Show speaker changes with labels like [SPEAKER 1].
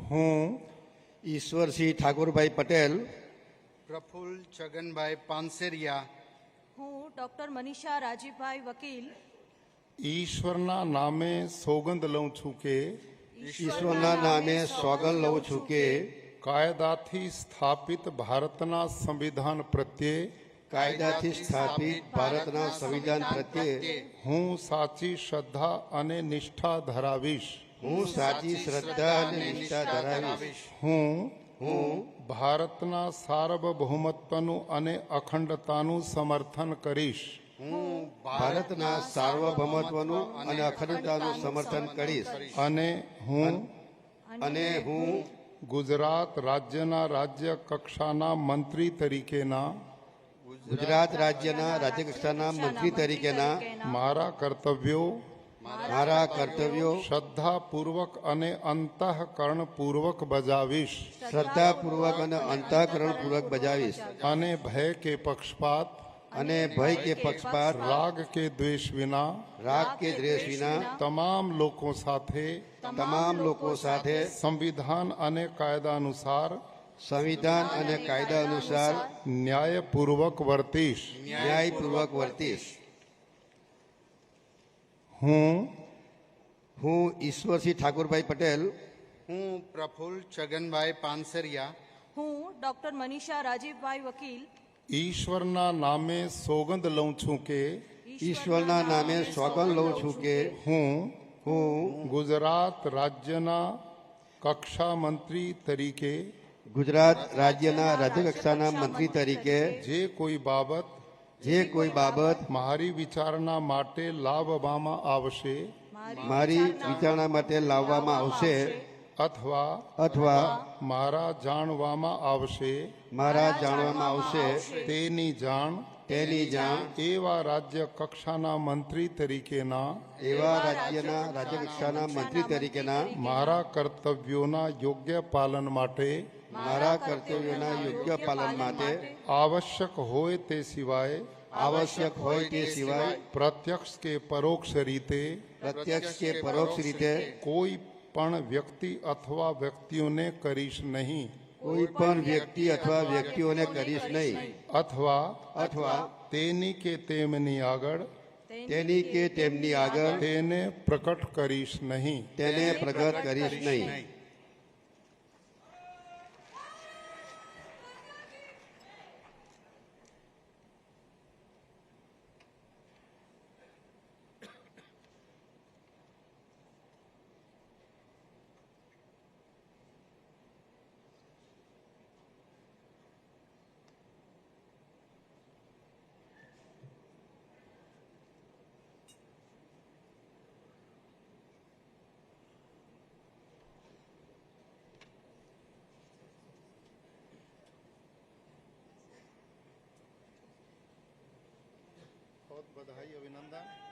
[SPEAKER 1] હું
[SPEAKER 2] ઈશ્વરસિંહ ઠાકોરભાઈ પટેલ
[SPEAKER 3] પ્રફુલ્લ છગનભાઈ પાનસેરિયા
[SPEAKER 4] હું ડોક્ટર મનીષા રાજીભાઈ વકીલ
[SPEAKER 1] ઈશ્વરના નામે સોગંદ લઉં છું કે
[SPEAKER 2] ઈશ્વરના નામે સોગંદ લઉં છું કે
[SPEAKER 1] કાયદાથી સ્થાપિત ભારતના સંવિધાન પ્રત્યે
[SPEAKER 2] કાયદાથી સ્થાપિત ભારતના સંવિધાન પ્રત્યે
[SPEAKER 1] હું સાચી શ્રદ્ધા અને નિષ્ઠા ધરાવીશ.
[SPEAKER 2] હું સાચી શ્રદ્ધા અને નિષ્ઠા ધરાવીશ.
[SPEAKER 1] હું ભારતના સાર્વભૌમત્વનું અને અખંડતાનું સમર્થન કરીશ.
[SPEAKER 2] હું ભારતના સાર્વભૌમત્વનું અને અખંડતાનું સમર્થન કરીશ.
[SPEAKER 1] અને હું ગુજરાત રાજ્યના રાજ્ય કક્ષાના મંત્રી તરીકેના
[SPEAKER 2] ગુજરાત રાજ્યના રાજ્યકક્ષાના મંત્રી તરીકેના
[SPEAKER 1] મારા કર્તવ્યો શ્રદ્ધાપૂર્વક અને અંતઃકરણપૂર્વક બજાવીશ.
[SPEAKER 2] શ્રદ્ધાપૂર્વક અને અંતઃકરણપૂર્વક બજાવીશ.
[SPEAKER 1] અને ભય કે પક્ષપાત રાગ કે દ્વેષ વિના તમામ લોકો સાથે સંવિધાન અને કાયદા અનુસાર ન્યાયપૂર્વક વર્તીશ. હું
[SPEAKER 2] ઈશ્વરસિંહ ઠાકોરભાઈ પટેલ
[SPEAKER 3] હું પ્રફુલ્લ છગનભાઈ પાનસેરિયા
[SPEAKER 4] હું ડોક્ટર મનીષા રાજીભાઈ વકીલ
[SPEAKER 1] ઈશ્વરના નામે સોગંદ લઉં છું કે
[SPEAKER 2] ઈશ્વરના નામે સોગંદ લઉં છું કે
[SPEAKER 1] હું ગુજરાત રાજ્યના કક્ષા મંત્રી તરીકે
[SPEAKER 2] ગુજરાત રાજ્યના રાજ્યકક્ષાના મંત્રી તરીકે
[SPEAKER 1] જે કોઈ બાબત મારી વિચારણા માટે લાવવામાં આવશે અથવા મારા જાણવામાં આવશે તેની જાણ એવા રાજ્ય કક્ષાના મંત્રી તરીકેના મારા કર્તવ્યોના યોગ્ય પાલન માટે આવશ્યક હોય તે સિવાય પ્રત્યક્ષ કે પરોક્ષ રીતે કોઈ પણ વ્યક્તિ અથવા વ્યક્તિઓને કરીશ નહીં અથવા તેની કે તેમની આગળ તેને પ્રગટ કરીશ નહીં. बहुत बधाई, अभिनंदन.